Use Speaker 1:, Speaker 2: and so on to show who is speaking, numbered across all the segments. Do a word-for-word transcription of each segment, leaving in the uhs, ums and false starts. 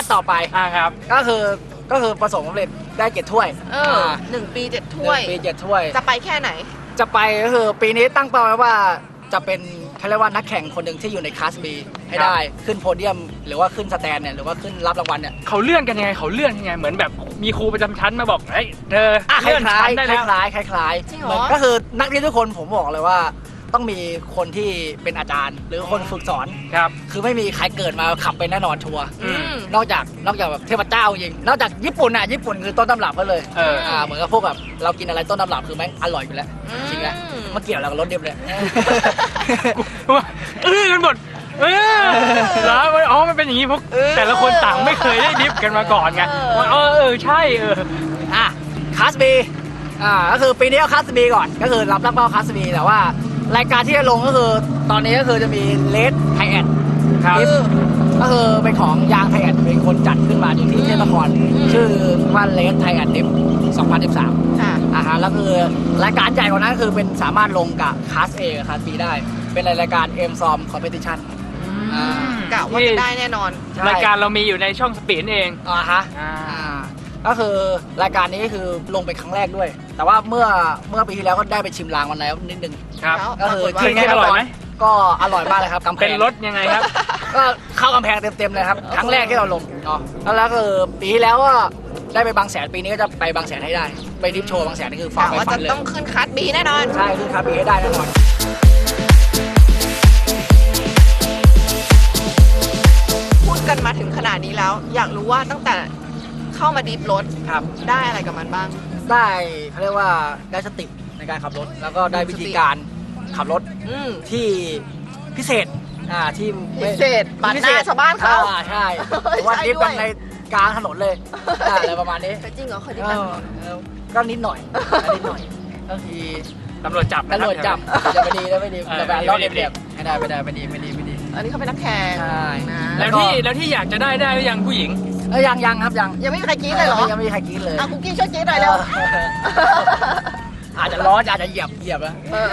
Speaker 1: ต่อไป
Speaker 2: อ่าครับ
Speaker 1: ก็คือก็คือประสบความสำเร็จได้เจ็ดถ้วย
Speaker 3: เออหนึ่งปีเจ็ดถ้วย
Speaker 1: ปีเจ็ดถ้วย
Speaker 3: จะไปแค่ไหน
Speaker 1: จะไปก็คือปีนี้ตั้งเป้าไว้ว่าจะเป็นเขาเรียกว่านักแข่งคนหนึ่งที่อยู่ในคลาส B ให้ได้ขึ้นโพเดียมหรือว่าขึ้นสแตนเนี่ยหรือว่าขึ้นรับรางวัลเนี่ย
Speaker 2: เขาเลื่อนกันยังไงเขาเลื่อนยังไงเหมือนแบบมีครูประจำชั้นมาบอกเฮ้ยเธอ
Speaker 1: คล้าย
Speaker 2: เลื่อน
Speaker 1: คล้า
Speaker 2: ชั้
Speaker 1: ย
Speaker 2: นได้
Speaker 1: ค
Speaker 2: แล้ว
Speaker 1: ล้ายคล้ายคล้าย
Speaker 3: จริง
Speaker 1: เห
Speaker 3: เหร
Speaker 1: มือน
Speaker 3: อ
Speaker 1: ก็คือนักเรียนทุกคนผมบอกเลยว่าต้องมีคนที่เป็นอาจารย์ หรือคนฝึกสอน
Speaker 2: ครับ
Speaker 1: คือไม่มีใครเกิดมาขับเป็นแน่นอนชัวร์
Speaker 2: อืม
Speaker 1: นอกจากนอกจากแบบเทพเจ้าจริงนอกจากญี่ปุ่นอ่ะญี่ปุ่นคือต้นตำรับเขาเลย
Speaker 2: เออ
Speaker 1: อ่าเหมือนกับพวกแบบเรากินอะไรต้นตำรับคือแม่งอร่อยอยู่แล้วจริงแล้วมาเกี่ยวอะไรกับรสเดียบเลย
Speaker 2: เออกันหมดเออแล้วอ๋อมันเป็นอย่างนี้เพราะแต่ละคนต่างไม่เคยได้ดิฟกันมาก่อนไงว่าเออเออใช่เออ
Speaker 1: อ่ะคลาส B อ่าก็คือปีนี้เอาคลาส B ก่อนก็คือรับรับเป้าคลาส B แต่ว่ารายการที่จะลงก็คือตอนนี้ก็คือจะมีเลสไทแอด
Speaker 2: ครับ
Speaker 1: ก็คือเป็นของยางไทแอดเป็นคนจัดขึ้นมาอยู่ที่เทพนครชื่อว่าเลสไทแอดดิฟสองพันสิบสาม
Speaker 3: ค่ะ
Speaker 1: อ่าฮะแล้วคือรายการใหญ่กว่านั้นคือเป็นสามารถลงกับคลาส A กับคลาส B ได้ เป็นรายการ M ซอม Competition อ่า
Speaker 3: กะว่าจะได้แน่นอน
Speaker 2: รายการเรามีอยู่ในช่องสปีดเอง
Speaker 1: อ่าฮะ
Speaker 2: อ่า
Speaker 1: อ่าก็คือรายการนี้คือลงเป็นครั้งแรกด้วย แต่ว่าเมื่อเมื่อปีที่แล้วก็ได้ไปชิมลางวันแล้วนิดนึง
Speaker 2: ครับ
Speaker 1: ก็คือ
Speaker 3: ปรากฏว่า
Speaker 1: ที่
Speaker 2: เป็นไงอร่อยไหม
Speaker 1: ก็อร่อยมากเลยครับกำแพง
Speaker 2: เป็นรถยังไงครับ
Speaker 1: ก็เข้ากำแพงเต็มๆเลยครับครั้งแรกที่เราลงเนาะแล้วแล้วก็คือปีที่แล้วก็ได้ไปบางแสนปีนี้ก็จะไปบางแสนให้ได้ไปดิฟโชว์บางแสนนี่คือฝาก
Speaker 3: กะ
Speaker 1: ไป
Speaker 3: ว่า
Speaker 1: ฝั
Speaker 3: จะ
Speaker 1: นเลย
Speaker 3: ต้องขึ้นคัสบีแน่นอน
Speaker 1: ใช่คือครับปีให้ได้แน่นอน
Speaker 3: พูดกันมาถึงขนาดนี้แล้ว อยากรู้ว่าตั้งแต่เข้ามาดิฟรถ
Speaker 1: ครับ
Speaker 3: ได้อะไรกับมันบ้าง
Speaker 1: ได้เขาเรียกว่าได้สติในการขับรถ แล้วก็ได้วิธีการขับรถ
Speaker 3: อืม
Speaker 1: ที่พิเศษอ่าที่ไม่
Speaker 3: พิเศษปาดหน้าชาวบ้านเขา
Speaker 1: อ่ใช่หรือว่า
Speaker 3: ใช่
Speaker 1: ดิฟกัน
Speaker 3: ด้วย
Speaker 1: ในกลางถนนเลยอ่าอะไรประมาณนี้
Speaker 3: จริงเหรอเคยดิฟ
Speaker 1: เอ
Speaker 3: กัน
Speaker 1: อเออก็นิดหน่อยนิดหน่อยก็คือ
Speaker 2: ตำรวจจับนะค
Speaker 1: ตำรวจจับจะไม่ดีแล้วไม่ดี
Speaker 2: เออ
Speaker 1: แต่แบบ
Speaker 2: ไม่ดี
Speaker 1: รอบ
Speaker 2: ไม่ดี
Speaker 1: เรียบๆไม่ได้ไม่ได้ไม่ดีไม่ดีไม่ดี
Speaker 3: อันนี้เขาเป็นนักแข่ง
Speaker 1: ใช่
Speaker 3: นะ
Speaker 2: แล้วที่แล้วที่อยากจะได้ได้หรือยังผู้หญิง
Speaker 1: เอ้ยยังยังครับยัง
Speaker 3: ยังไม่มีใครกรี๊ดเลยเหรอ
Speaker 1: ยังไม่มีใครกรี๊ดเลย
Speaker 3: อ่ะคุกกี้ช่วยกรี๊ดหน่อยเร็ว
Speaker 1: อาจจะล้ออาจจะเหยียบเหยียบแล้ว
Speaker 3: เออ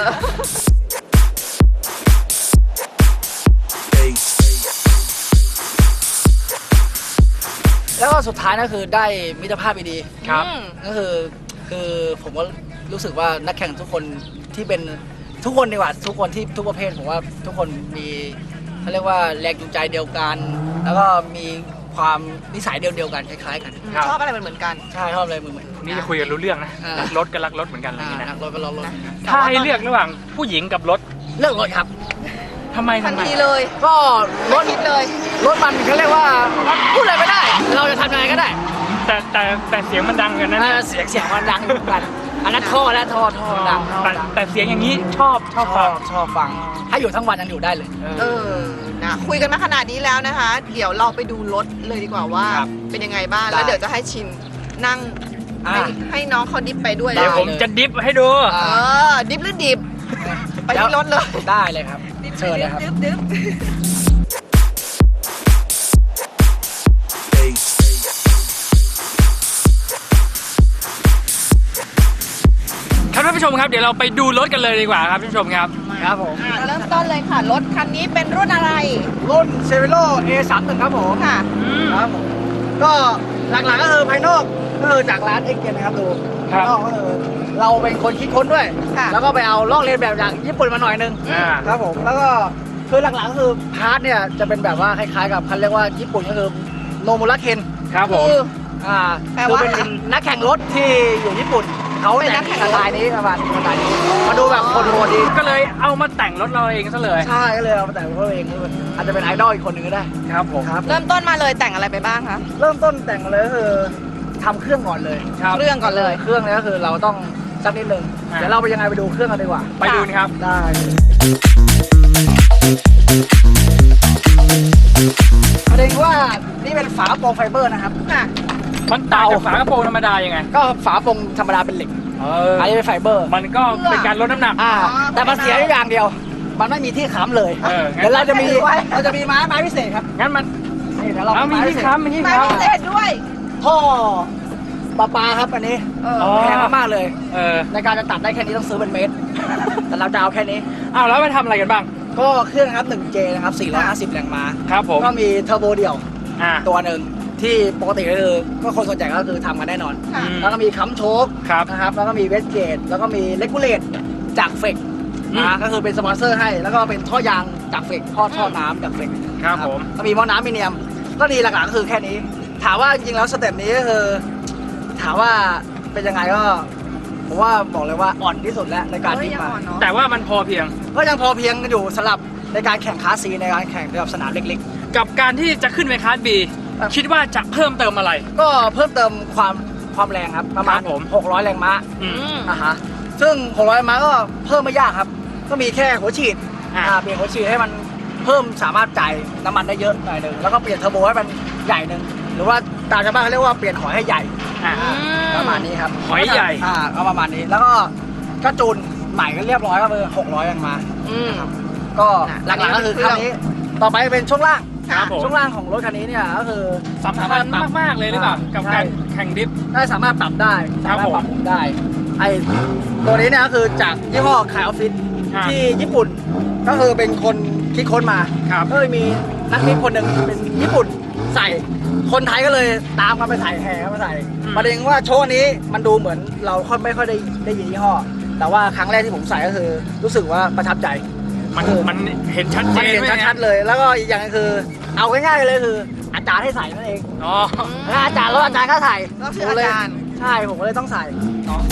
Speaker 1: แล้วก็สุดท้ายก็คือได้มิตรภาพดี
Speaker 2: ครับ
Speaker 3: อืม
Speaker 1: ๆก็คือคือผมก็รู้สึกว่านักแข่งทุกคนที่เป็นทุกคนดีกว่าทุกคนที่ทุกประเภทผมว่าทุกคนมีเขาเรียกว่าแรงจูงใจเดียวกัน แล้วก็มีความนิสัยเดียวเดียวๆกันคล้ายๆกัน
Speaker 2: ครับ
Speaker 3: ชอบอะไรเหมือนๆกัน
Speaker 1: ใช่ชอบอะไรเหมือนเหมือน
Speaker 2: นี่จะคุยกันรู้เรื่องนะ
Speaker 1: อ่ารั
Speaker 2: รักรถก็รักรถเหมือนกันอะไรอย่าง
Speaker 1: อ่า
Speaker 2: นี้
Speaker 1: นั
Speaker 2: นะ
Speaker 1: กรถก็รถรถ
Speaker 3: นะ
Speaker 2: ถ้าให้เลือกระหว่างผู้หญิงกับรถ
Speaker 1: เลือกรถครับ
Speaker 2: ทำไม
Speaker 3: ทั
Speaker 2: ทำ
Speaker 3: น
Speaker 2: ไม
Speaker 3: ทีเลย
Speaker 1: ก็ร
Speaker 3: ไม่
Speaker 1: ถ
Speaker 3: คิดเลย
Speaker 1: รถมันเขาเรียกว่าพูดอะไรไม่ได้ เราจะทำยังไงก็ได้
Speaker 2: แต่แต่แต่เสียงมันดังกันนะ
Speaker 1: เออเสียงเสียงมันดังอยู่เหมือนกันอันนั้นท่อแล้วท่อท่อดังท่อ
Speaker 2: แต่
Speaker 1: ดัง
Speaker 2: แต่เสียงอย่างนี้ชอบช
Speaker 1: ช
Speaker 2: อ
Speaker 1: อ
Speaker 2: บบ ฟัง
Speaker 1: ชอบฟัง ถ้าอยู่ทั้งวันยังอยู่ได้เลย
Speaker 3: เออ นะ คุยกันมาขนาดนี้แล้วนะคะ เดี๋ยวเราไปดูรถเลยดีกว่าว่า
Speaker 1: ครับ
Speaker 3: เป็นยังไงบ้าง
Speaker 1: ได้
Speaker 3: แล้วเดี๋ยวจะให้ชินนั่ง
Speaker 1: อ่า
Speaker 3: ให้ให้น้องเขาดิฟไปด้วย
Speaker 1: ได้
Speaker 2: เดี๋ยวผมจะดิฟให้ดู
Speaker 1: อ่า
Speaker 3: เออ ดิฟหรือดิบ ไปที่รถเลย
Speaker 1: ได้เลยครับ เชิญเลยครับ
Speaker 3: ดิฟดิฟดิฟ
Speaker 2: ครับท่านผู้ชมครับเดี๋ยวเราไปดูรถกันเลยดีกว่าครับท่านผู้ชมครับ
Speaker 1: ครับผม
Speaker 3: อ่ะเริ่มต้นเลยค่ะ รถคันนี้เป็นรุ่นอะไร
Speaker 1: รุ่นเซเวโร่ เอ สามสิบเอ็ด ครับผม
Speaker 3: ค่ะ
Speaker 1: ครับผม ก็หลักๆก็คือภายนอกก็คือจากร้านเอ็กเกนนะครับดู
Speaker 2: ครับ
Speaker 1: ภายนอกก็คือเราเป็นคนคิดค้นด้วย
Speaker 3: ค่ะ
Speaker 1: แล้วก็ไปเอาลอกเลียนแบบจากญี่ปุ่นมาหน่อยนึง
Speaker 2: อ่า
Speaker 1: ครับผม แล้วก็คือหลักๆก็คือพาร์ทเนี่ยจะเป็นแบบว่าคล้ายๆกับเขาเรียกว่าญี่ปุ่นก็คือโนมุระเคน
Speaker 2: ครับผม
Speaker 3: คือ
Speaker 1: อ่า
Speaker 3: แปล
Speaker 1: คือ
Speaker 3: ว่า
Speaker 1: เป็นนักแข่งรถที่อยู่ญี่ปุ่นเขา
Speaker 3: เป็นนั
Speaker 1: แต่
Speaker 3: ก
Speaker 1: ง
Speaker 3: แข่ง
Speaker 1: ส
Speaker 3: รถ
Speaker 1: ไตล์นี้ประมาณสไตล์นี้มาดูแบบคนโหดดี
Speaker 2: ก็เลยเอามาแต่งรถเราเองซะเลย
Speaker 1: ใช่ก็เลยเอามาแต่งตัวเองอาจจะเป็นไอดอลอีกคนหนึ่งก็ได้
Speaker 2: ครับผม
Speaker 1: ครับ
Speaker 3: เริ่มต้นมาเลยแต่งอะไรไปบ้างคะ
Speaker 1: เริ่มต้นแต่งเลยก็คือทำเครื่องก่อนเลย
Speaker 2: ครับ
Speaker 3: เครื่องก่อนเลย
Speaker 1: เครื่องเนี่ยก็คือเราต้องสักนิดนึง
Speaker 2: อ่า
Speaker 1: เดี๋ยวเราไปยังไงไปดูเครื่องกันดีกว่า
Speaker 2: ไปดูนะครับ
Speaker 1: ได้ประเด็นว่านี่เป็นฝากระโปรงไฟเบอร์นะครับ
Speaker 3: ค่ะ
Speaker 2: มันต่างจากฝากระโปรงธรรมดายังไง
Speaker 1: ก็ฝากระโปรงธรรมดาเป็นเหล็ก
Speaker 2: เออ
Speaker 1: อันนี้เป็นไฟเบอร์
Speaker 2: มันก็เป็นการลดน้ำหนัก
Speaker 1: อ่า
Speaker 3: อ๋อ
Speaker 1: แต่มันเสียอยู่อย่างเดียว มันไม่มีที่ค้ำเลย
Speaker 2: เอองั้น
Speaker 1: เดี๋ยวเราจะมี
Speaker 3: ไว้
Speaker 1: เราจะมีไม้ไม้พิเศษครับ
Speaker 2: งั้นมัน
Speaker 1: นี่เดี๋ยวเรา
Speaker 2: เอามี
Speaker 1: ไ
Speaker 2: ที่ค้ำมีที่
Speaker 3: ไม้
Speaker 2: ค้
Speaker 3: พิเศษด้วย
Speaker 1: ท่อปลาปลาครับอันนี้
Speaker 3: เออ
Speaker 2: อ๋อ
Speaker 1: แพงมากๆเลย
Speaker 2: ำเออ
Speaker 1: ในการจะตัดได้แค่นี้ต้องซื้อเป็นเมตร แต่เราจะเอาแค่นี้
Speaker 2: อ้าวแล้วไปทำอะไรกันบ้าง
Speaker 1: ก็เครื่องนะครับ หนึ่งเจ นะครับ สี่ร้อยห้าสิบ แรงม้า
Speaker 2: ครับผม
Speaker 1: ก็มีเทอร์โบเดี่ยว
Speaker 2: อ่า
Speaker 1: ตัวหนึ่งที่ปกติก็คือก็คนส่วนใหญ่ก็คือทำกันแน่นอน
Speaker 3: ค่ะ
Speaker 1: แล้วก็มีค้ำโชค
Speaker 2: ครับ
Speaker 1: นะครับแล้วก็มีเวสเกตแล้วก็มีเลกูเลตจากเฟก
Speaker 2: อืม
Speaker 1: นะก็คือเป็นสปอนเซอร์ให้แล้วก็เป็นท่อยางจากเฟกท่อท่อน้ำจากเฟก
Speaker 2: ครับผม
Speaker 1: ก็มีหม้อน้ำมีเนียมก็ดีหลักๆก็คือแค่นี้ ถามว่าจริงๆแล้วสเต็ปนี้ก็คือถามว่าเป็นยังไงก็ผมว่าบอกเลยว่าอ่อนที่สุดแล้วในการ
Speaker 3: เอ้ย
Speaker 1: ที่
Speaker 3: ยัง
Speaker 1: มา
Speaker 3: อ่อนเนาะ
Speaker 2: แต่ว่ามันพอเพียง
Speaker 1: ก็ยังพอเพียงกันอยู่สำหรับในการแข่งคลาสซีในการแข่งแบบสนามเล็ก
Speaker 2: กับการที่จะขึ้นไปคลาสบี
Speaker 1: ครับ
Speaker 2: คิดว่าจะเพิ่มเติมอะไร
Speaker 1: ๆ ก็เพิ่มเติมความความแรงครับประมาณ
Speaker 2: ครับผม
Speaker 1: หกร้อยแรงม้า
Speaker 2: อืม
Speaker 3: อืม
Speaker 1: อ่ะฮะซึ่งหกร้อยแรงม้าก็เพิ่มไม่ยากครับ ก็มีแค่หัวฉีด
Speaker 2: อ่า
Speaker 1: อ่าเปลี่ยนหัวฉีดให้มันเพิ่มสามารถจ่ายน้ำมันได้เยอะหน่อยหนึ่งแล้วก็เปลี่ยนเทอร์โบให้มันใหญ่หนึ่งหรือว่าตามชาวบ้านเขาเรียกว่าเปลี่ยนหอยให้ใหญ่
Speaker 2: อ่ะ
Speaker 1: อ่าประมาณนี้ครับ
Speaker 2: หอยใหญ่
Speaker 1: อ่าเอาประมาณนี้แล้วก็ก็จูนใหม่ก็เรียบร้อยก็คือหกร้อยแรงม้า
Speaker 3: อืม
Speaker 1: ก็
Speaker 3: น่ะ
Speaker 1: หลักๆก็คือ
Speaker 3: อันนี้
Speaker 1: คันนี้ต่อไปเป็นช่วงล่าง
Speaker 2: ครับผม
Speaker 1: ช่วงล่างของรถคันนี้เนี่ยก็คือ
Speaker 2: สำคัญมากๆเลยหรือเปล่า กับการแข่งดิฟ
Speaker 1: ได้สามารถปรับได้
Speaker 2: ครั
Speaker 1: สา
Speaker 2: บ
Speaker 1: มารถปรับปรุงได้ไอตัวนี้เนี่ยก็คือจากยี่ห้อคายออฟฟิศ
Speaker 2: อ่า
Speaker 1: ที่ญี่ปุ่นก็คือเป็นคนคิดค้นมา
Speaker 2: ครับ
Speaker 1: ก็เลยมีนักบินคนหนึ่งเป็นญี่ปุ่นใส่ คนไทยก็เลยตามกันไปใส่แห่กันไปใส่
Speaker 2: อืม
Speaker 1: ประเด็นว่าโชว์นี้มันดูเหมือนเราค่อยไม่ค่อยได้ได้ยินยี่ห้อ แต่ว่าครั้งแรกที่ผมใส่ก็คือรู้สึกว่าประทับใจ
Speaker 2: มัน
Speaker 1: คือ
Speaker 2: มันเห็นชัดเจ
Speaker 1: มัน
Speaker 2: น
Speaker 1: เห็น
Speaker 2: ไหม
Speaker 1: ชัดๆเลย แล้วก็อีกอย่างก็คือ เอาง่ายๆเลยคือ อาจารย์ให้ใส่นั่นเอง
Speaker 2: อ๋อ
Speaker 1: แล้วอาจารย์แล้วอาจารย์ก็ใส่
Speaker 3: ก็คืออาจารย์
Speaker 1: ใช่ผมก็เลยต้องใส่เนาะ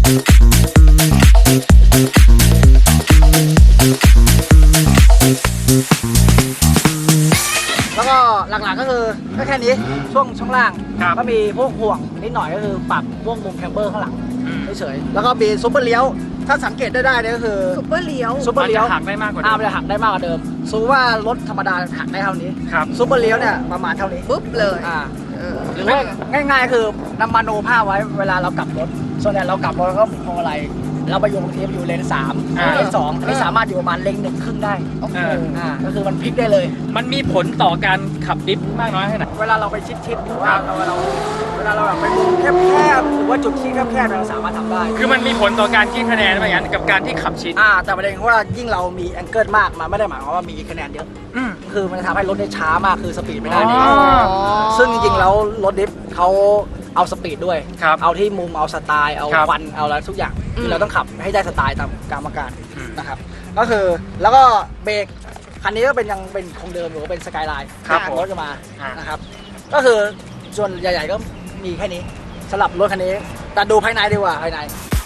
Speaker 1: แล้วก็หลักๆก็คือก็แค่นี้ช่วงช่วงล่าง
Speaker 2: ครับ
Speaker 1: ก็มีพวกห่วงนิดหน่อยก็คือปรับพวกมุมแคมเบอร์ข้างหลัง
Speaker 2: อืม
Speaker 1: เฉยๆแล้วก็มีซุปเปอร์เลี้ยว ถ้าสังเกตได้ได้เนี่ยก็คือ
Speaker 3: ซุปเปอร์เลี้ยว
Speaker 1: ซุปเปอร์เลี้ยว
Speaker 2: มันจะหักได้มากกว่าเดิ
Speaker 1: อ่าม มันจะหักได้มากกว่าเดิมสมมติว่ารถธรรมดาหักได้เท่านี้
Speaker 2: ครับ
Speaker 1: ซุปเปอร์เลี้ยวเนี่ยประมาณเท่านี้
Speaker 3: ปุ๊บเลย
Speaker 1: อ่า
Speaker 3: เออ
Speaker 1: หรือว่าง่ายๆ คือนำมาโนผ้าไว้เวลาเรากลับรถ ส่วนใหญ่เรากลับรถเราก็หมุนพวงมาลัยเราไปอยู่บางทีไปอยู่เลนสาม
Speaker 2: อ่า
Speaker 1: เลนสองอันนี้สามารถอยู่ประมาณเลนหนึ่งครึ่งได้
Speaker 3: โอ้โห
Speaker 2: เออ
Speaker 1: อ่าก็คือมันพลิกได้เลย
Speaker 2: มันมีผลต่อการขับดิฟมากน้อยแค่ไหน
Speaker 1: เวลาเราไปชิดๆหรือว่าเราเราเวลาเราแบบไปมุมแคบๆหรือว่าจุดที่แคบๆเราสามารถทำได้
Speaker 2: คือมันมีผลต่อการคิดคะแนนไหมงั้นกับการที่ขับชิด
Speaker 1: อ่าแต่ประเด็นคือว่ายิ่งเรามีแองเกิลมากมันไม่ได้หมายความว่ามีคะแนนเยอะ
Speaker 2: อืม
Speaker 1: คือมันจะทำให้รถได้ช้ามากคือสปีดไม่ได้
Speaker 2: อ๋
Speaker 1: นี่
Speaker 2: อ
Speaker 1: ซึ่งจริงๆแล้วรถดิฟเขาเอาสปีดด้วย
Speaker 2: ครับ
Speaker 1: เอาที่มุมเอาสไตล์เอา
Speaker 2: ครับ
Speaker 1: ควันเอาอะไรทุกอย่าง
Speaker 3: อื
Speaker 1: คือ
Speaker 3: ม
Speaker 1: เราต้องขับให้ได้สไตล์ตามกรรมการ
Speaker 2: อืม
Speaker 1: นะครับก็คือแล้วก็เบรกคันนี้ก็เป็นยังเป็นคงเดิมหรือว่าเป็นสกายไลน์
Speaker 2: ครับผม
Speaker 1: รถจะมา
Speaker 2: อ่าน
Speaker 1: นะครับก็คือส่วนใหญ่ๆก็มีแค่นี้สำหรับรถคันนี้แต่ดูภายในดีกว่าภายใน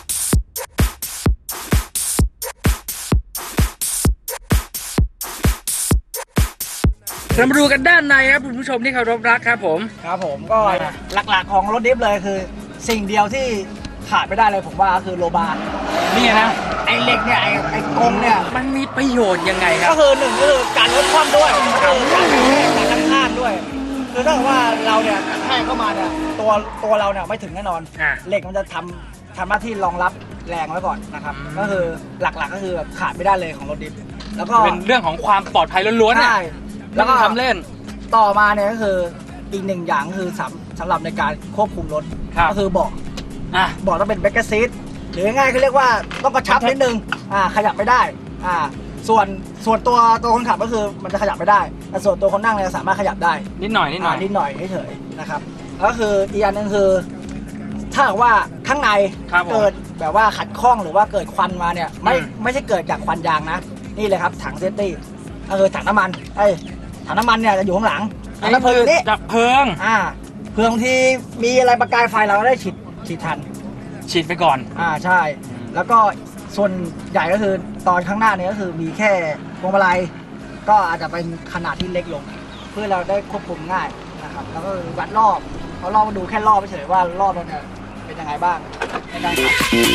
Speaker 2: เรามาดูกันด้านในครับคุณผู้ชมที่เคารพรักครับผม
Speaker 1: ครับผมก็
Speaker 2: อ่า
Speaker 1: หลักๆของรถดิฟเลยคือ สิ่งเดียวที่ขาดไม่ได้เลยผมว่าก็คือโลบาร์
Speaker 2: นี่นะ
Speaker 1: ไอ้เหล็กเนี่ยไอ้ไอ้กลมเนี่ย
Speaker 2: มันมีประโยชน์ยังไงครั
Speaker 1: ก็
Speaker 2: บ
Speaker 1: คือหนึ่งก็คือการลดความด้วยก็คือการกระแทกการตั้งข้างด้วย คือถ้าเกิดว่าเราเนี่ยกระแทกเข้ามาเนี่ยตัวตัวเราเนี่ยไม่ถึงแน่นอน
Speaker 2: อ่า
Speaker 1: เหล็กมันจะทำทำหน้าที่รองรับแรงไว้ก่อนนะครับ
Speaker 2: อืม
Speaker 1: ก็คือหลักๆก็คือแบบขาดไม่ได้เลยของรถดิฟแล้วก็
Speaker 2: เป็นเรื่องของความปลอดภัยล้วนๆน่ะ
Speaker 1: ใช่
Speaker 2: แล้
Speaker 1: แล้ว ว
Speaker 2: ก็
Speaker 1: ก็
Speaker 2: ทำเล่น
Speaker 1: ต่อมาเนี่ยก็คืออีกหนึ่งอย่างก็คือสำสำหรับในการควบคุมรถ
Speaker 2: ครับ
Speaker 1: ก็คือเบาะ
Speaker 2: อ่ะ
Speaker 1: เบาะต้องเป็นแบ็กเกอร์ซีทหรือง่ายๆคือเรียกว่าต้องกระชับนิดนึงอ่าขยับไม่ได้อ่าส่วนส่วนตัวตัวคนขับก็คือมันจะขยับไม่ได้แต่ส่วนตัวคนนั่งเนี่ยสามารถขยับได้
Speaker 2: นิดหน่อยนิดหน่อย
Speaker 1: านิดหน่อยเฉยๆนะครับแล้วก็คืออีกอันหนึงคือ ถ้าหากว่าข้างใน
Speaker 2: ครับผม
Speaker 1: เกิดแบบว่าขัดข้องหรือว่าเกิดควันมาเนี่ยไม่
Speaker 2: อืม
Speaker 1: ไม่ใช่เกิดจากควันยางนะ นี่เลยครับถังเซฟตี้ก็คือถังน้ำมันไอ้ยถังน้ำมันเนี่ยจะอยู่ข้างหลังถังน้ำเพลิงนี่
Speaker 2: ดับเพลิง
Speaker 1: อ่าเพื่อบางทีมีอะไรประกายไฟเราก็ได้ฉีดฉีดทัน
Speaker 2: ฉีดไปก่อน
Speaker 1: อ่าใช่ แล้วก็ส่วนใหญ่ก็คือตอนข้างหน้าเนี่ยก็คือมีแค่พวงมาลัยก็อาจจะเป็นขนาดที่เล็กลง เพื่อเราได้ควบคุมง่ายนะครับแล้วก็วัดรอบเขาลองมาดูแค่รอบเฉยๆว่ารอบเราเนี่ยเป็นยังไงบ้างในการขั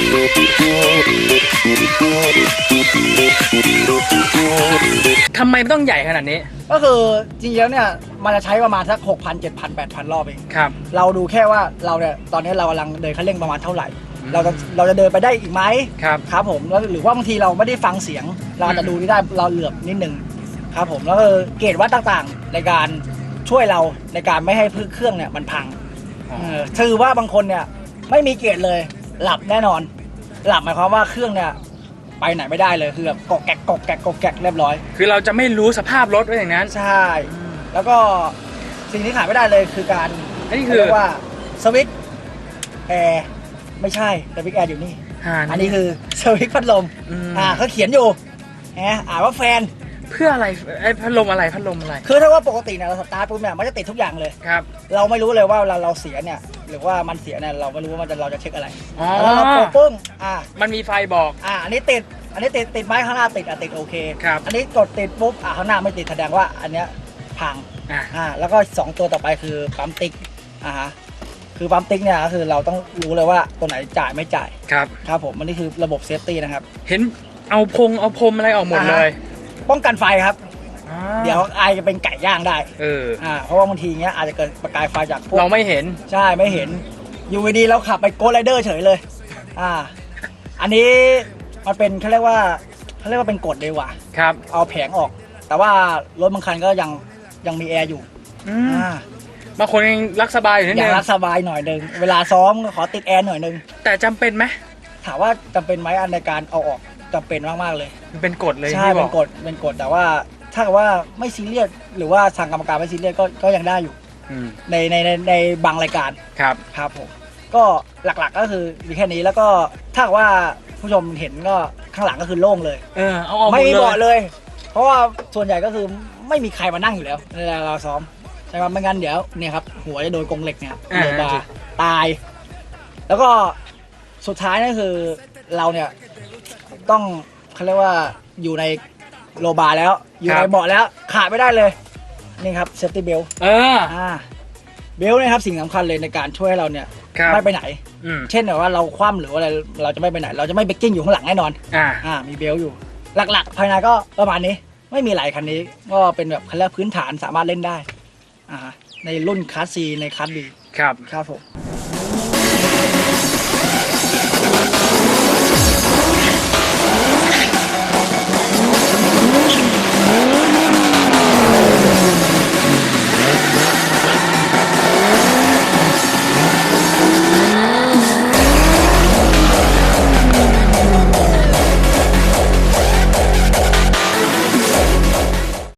Speaker 1: บ
Speaker 2: ทำไมมันต้องใหญ่ขนาดนี้
Speaker 1: ก็คือจริงๆแล้วเนี่ยมันจะใช้ประมาณสักหกพันเจ็ดพันแปดพันรอบเอง
Speaker 2: ครับ
Speaker 1: เราดูแค่ว่าเราเนี่ยตอนนี้เรากำลังเดินคันเร่งประมาณเท่าไหร่
Speaker 2: อืม
Speaker 1: เราจะเราจะเดินไปได้อีกไหม
Speaker 2: ครับ
Speaker 1: ครับผมแล้วหรือว่าบางทีเราไม่ได้ฟังเสียง เราอาจจะดูนี่ได้เราเหลือบนิดนึงครับผมแล้วก็เกจวัดต่างๆ ในการช่วยเราในการไม่ให้เครื่องเนี่ยมันพัง
Speaker 2: อ๋อ
Speaker 1: เออถือว่าบางคนเนี่ยไม่มีเกจเลย หลับแน่นอน หลับหมายความว่าเครื่องเนี่ยไปไหนไม่ได้เลยคือแบบกอกแกกกอกแกกกอกแกกเรียบร้อย
Speaker 2: คือเราจะไม่รู้สภาพรถไว้อย่างนั้น
Speaker 1: ใช่ แล้วก็สิ่งที่ขาดไม่ได้เลยคือการ
Speaker 2: อันนี้คือ
Speaker 1: เรียกว่าสวิตช์แอร์ไม่ใช่สวิตช์แอร์อยู่นี่
Speaker 2: อ่า
Speaker 1: อันนี้คือสวิตช์พัดลม
Speaker 2: อืม
Speaker 1: อ่าเขาเขียนอยู่แหมอ่านว่าแฟน
Speaker 2: เพื่ออะไรไอ้พัดลมอะไรพัดลมอะไร
Speaker 1: คือถ้าว่าปกติเนี่ยเราสตาร์ทปุ๊บเนี่ยมันจะติดทุกอย่างเลย
Speaker 2: ครับ
Speaker 1: เราไม่รู้เลยว่าเวลาเราเสียเนี่ยหรือว่ามันเสียเนี่ยเราไม่รู้ว่ามันจะเราจะเช็คอะไร
Speaker 2: อ๋อ
Speaker 1: แล้วเรากดปึ้งอ่า
Speaker 2: มันมีไฟบอก
Speaker 1: อ่าอันนี้ติดอันนี้ติดติดไม้ข้างหน้าติดอ่ะติดโอเค
Speaker 2: ครับ
Speaker 1: อันนี้กดติดปุ๊บอ่าข้างหน้าไม่ติดแสดงว่าอันเนี้ยพัง
Speaker 2: อ่า
Speaker 1: อ่าแล้วก็สองตัวต่อไปคือปั๊มติ๊กอ่าฮะคือปั๊มติ๊กเนี่ยก็คือเราต้องรู้เลยว่าตัวไหนจ่ายไม่จ่าย
Speaker 2: ครับ
Speaker 1: ครับผมอันนี้คือระบบเซฟตี้นะครับ
Speaker 2: เห็นเอาพงเอาพรมอะไรออกหมดเลย
Speaker 1: ป้องกันไฟครับ
Speaker 2: อ่า
Speaker 1: เดี๋ยวไอจะเป็นไก่ย่างได้
Speaker 2: เออ
Speaker 1: อ่าเพราะว่าบางทีเงี้ยอาจจะเกิดประกายไฟจากพวก
Speaker 2: เราไม่เห็น
Speaker 1: ใช่ไม่เห็นอยู่ดีๆเราขับไปโกไรเดอร์เฉยเลยอ่าอันนี้มันเป็นเขาเรียกว่าเขาเรียกว่าเป็นกฎเลยว่ะ
Speaker 2: ครับ
Speaker 1: เอาแผงออก แต่ว่ารถบางคันก็ยังยังมีแอร์อยู่
Speaker 2: อืม
Speaker 1: อ่า
Speaker 2: บางคนยังรักสบายอยู่นิด
Speaker 1: อยา
Speaker 2: นึ
Speaker 1: ก
Speaker 2: ง
Speaker 1: รักสบายหน่อยหนึงเวลาซ้อมก็ขอติดแอร์หน่อยหนึง
Speaker 2: แต่จำเป็นไหม
Speaker 1: ถามว่าจำเป็นไหมอันในการเอาออกจำเป็นมากๆเลย
Speaker 2: มันเป็นกฎเลย
Speaker 1: ใช่
Speaker 2: ที่บ
Speaker 1: เป็
Speaker 2: อน ก
Speaker 1: กฎเป็นกฎแต่ว่าถ้าเกิดว่าไม่ซีเรียสหรือว่าทางกรรมการไม่ซีเรียสก็ก็ยังได้อยู่
Speaker 2: อืม
Speaker 1: ในในในในบางรายการ
Speaker 2: ครับ
Speaker 1: ครับผมก็หลักๆก็คือมีแค่นี้แล้วก็ถ้าเกิดว่าผู้ชมเห็นก็ข้างหลังก็คือโล่งเลย
Speaker 2: เออเอาออกหม
Speaker 1: ไม่
Speaker 2: ด
Speaker 1: มี
Speaker 2: เล
Speaker 1: เบาะ
Speaker 2: ย
Speaker 1: เลย เพราะว่าส่วนใหญ่ก็คือไม่มีใครมานั่งอยู่แล้วเวลาเราซ้อมใช่ไหมไม่งั้นเดี๋ยวเนี่ยครับหัวจะโดนกรงเหล็กเนี่ย
Speaker 2: อ่า
Speaker 1: โดนบาร์ตาย แล้วก็สุดท้ายนั่นคือเราเนี่ยต้องเขาเรียกว่าอยู่ในโลบาร์แล้ว อยู่ในเบาะแล้วขาดไม่ได้เลยนี่ครับเซฟตี้เบล
Speaker 2: เออ
Speaker 1: อ่าเบลเนี่ยครับสิ่งสำคัญเลยในการช่วยให้เราเนี่ย
Speaker 2: ครับ
Speaker 1: ไม่ไปไหน
Speaker 2: อืม
Speaker 1: เช่นแบบว่าเราคว่ำหรือว่าอะไรเราจะไม่ไปไหน เราจะไม่เบรกกิ้งอยู่ข้างหลังแน่นอน
Speaker 2: อ่า
Speaker 1: อ่ามีเบลอยู่ หลักๆ ภายในก็ประมาณนี้ไม่มีหลายคันนี้ก็เป็นแบบคันแรกพื้นฐานสามารถเล่นได้อ่าในรุ่นคลาสซีในคลาสบี
Speaker 2: ครับ
Speaker 1: ครับผม